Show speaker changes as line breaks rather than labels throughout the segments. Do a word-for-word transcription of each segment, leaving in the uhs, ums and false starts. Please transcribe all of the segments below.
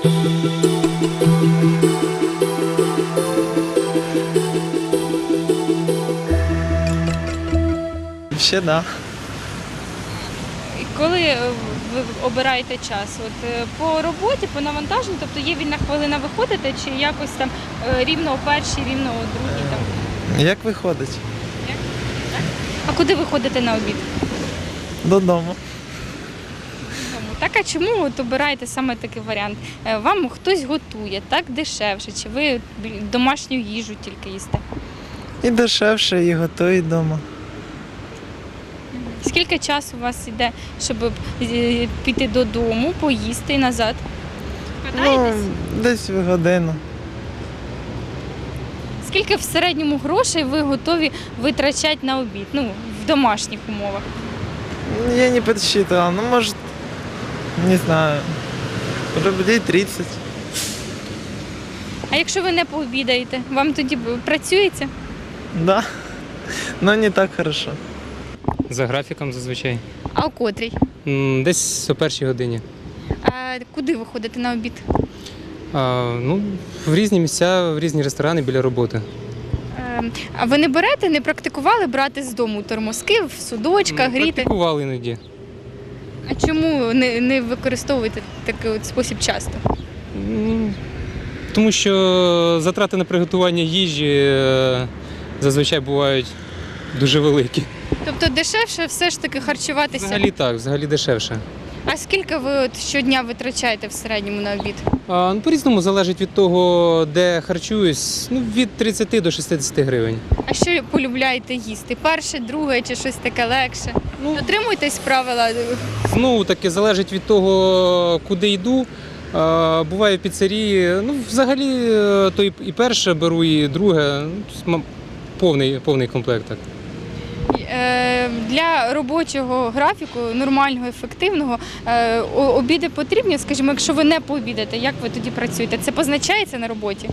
Ще да.
І коли е, ви обираєте час? От е, по роботі, по навантаженню, тобто є вільна хвилина, виходите, чи якось там е, рівно о першій, рівно о другій там?
Як виходить?
Як? Так? А куди ви ходите на обід?
Додому.
Додому. Так, а чому от обираєте саме такий варіант? Е, Вам хтось готує, так дешевше, чи ви домашню їжу тільки їсте?
І дешевше, і готують вдома.
Скільки часу у вас йде, щоб е, піти додому, поїсти і назад?
Ну,
Катаєтесь?
десь в годину.
Скільки в середньому грошей ви готові витрачати на обід, ну, в домашніх умовах?
Я не подсчитывал, ну, может, не знаю, рублей тридцать.
А якщо ви не пообідаєте, вам тоді працюється?
Да, но не так хорошо.
За графіком зазвичай.
А о котрій?
М, Десь о першій годині.
А куди ви ходите на обід?
А, ну, в різні місця, в різні ресторани біля роботи.
Е, А ви не берете, не практикували брати з дому тормозки в судочках,
М,
гріти?
Практикували іноді.
А чому не, не використовуєте такий от спосіб часто?
М, Тому що затрати на приготування їжі е, зазвичай бувають дуже великі.
Тобто дешевше все ж таки харчуватися?
Взагалі так, взагалі дешевше.
А скільки ви от щодня витрачаєте в середньому на обід?
А, ну, по-різному залежить від того, де харчуюсь, ну, від тридцяти до шістдесяти гривень.
А що полюбляєте їсти? Перше, друге чи щось таке легше?
Ну,
Дотримуйтесь правила.
Знову таки залежить від того, куди йду. А, Буває в піцерії. Ну, взагалі, е, то і і перше беру, і друге. Ну, тобто, м- повний, повний комплект. Так.
Е, Для робочого графіку, нормального, ефективного, е, о- обіди потрібні, скажімо, якщо ви не пообідаєте, як ви тоді працюєте? Це позначається на роботі?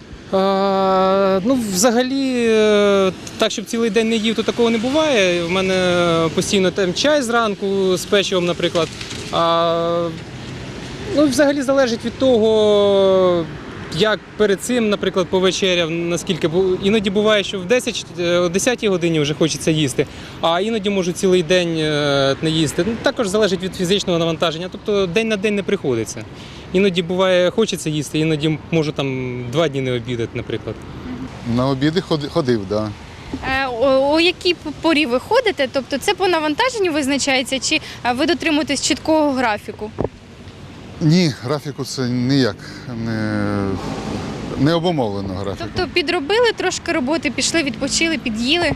А, ну, взагалі, е, так, щоб цілий день не їв, то такого не буває. У мене постійно там чай зранку з печивом, наприклад. А, ну, взагалі залежить від того, як перед цим, наприклад, повечеряв, наскільки бу- іноді буває, що в десять, о десятій годині вже хочеться їсти, а іноді можу цілий день е, не їсти. Ну, також залежить від фізичного навантаження, тобто день на день не приходиться. Іноді буває, хочеться їсти, іноді можу там два дні не обідати, наприклад.
На обіди ходи- ходив, так. Да.
Е, О, о якій порі ви ходите? Тобто це по навантаженню визначається, чи е, ви дотримуєтесь чіткого графіку?
Ні, графіку це ніяк не, не обумовлено графіку.
Тобто підробили трошки роботи, пішли, відпочили, під'їли?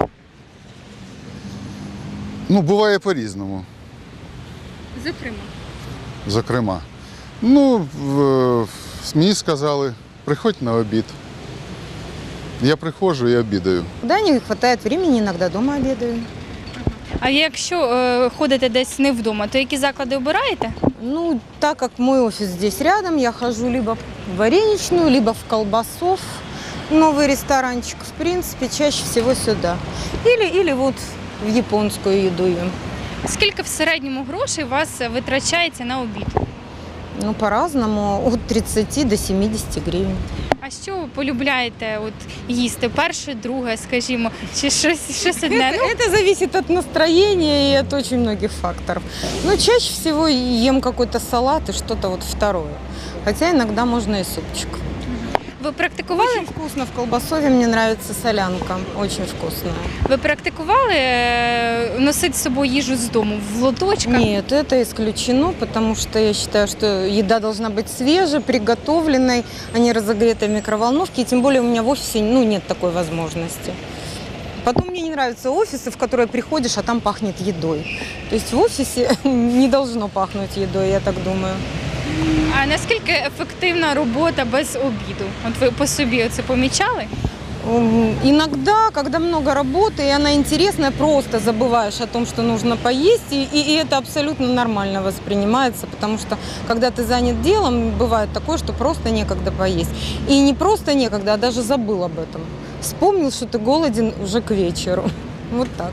Ну, буває по-різному,
Зокрема.
зокрема. Ну, в, мені сказали, приходь на обід. Я приходжу і обідаю.
Да, не хватает времени, иногда дома обедаю.
А якщо е, ходите десь не вдома, то які заклади обираєте?
Ну, так как мой офис здесь рядом, я хожу либо в вареничную, либо в колбасов, новый ресторанчик, в принципе, чаще всего сюда. Или, или вот в японскую еду ем.
Скільки в середньому грошей у вас витрачається на обід?
Ну, по-разному, от тридцати до семидесяти гривен.
А що ви полюбляєте от, їсти? Перше, друге, скажімо, чи щось, щось одне?
Это, это зависит от настроения и от очень многих факторов. Но чаще всего ем какой-то салат и что-то вот второе. Хотя иногда можно и супчик.
Ви практикували?
Очень вкусно в колбасове, мне нравится солянка, очень вкусная.
Ви практикували е, носити з собою їжу з дому в лоточках?
Нет, это исключено, потому что я считаю, что еда должна быть свежей, приготовленной, а не разогретой в микроволновке. И тем более у меня в офисе ну, нет такой возможности. Потом мне не нравятся офисы, в которые приходишь, а там пахнет едой. То есть в офисе не должно пахнуть едой, я так думаю.
А наскільки ефективна робота без обіду? От ви по собі це помічали?
М, Иногда, когда много работы, и она интересная, просто забываешь о том, что нужно поесть, и, и- и это абсолютно нормально воспринимается, потому что, когда ты занят делом, бывает такое, что просто некогда поесть. И не просто некогда, а даже забыл об этом. Вспомнил, что ты голоден уже к вечеру. Вот так.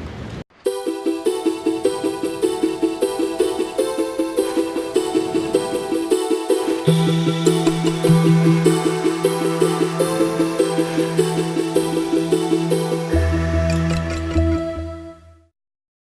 Thank you.
Thank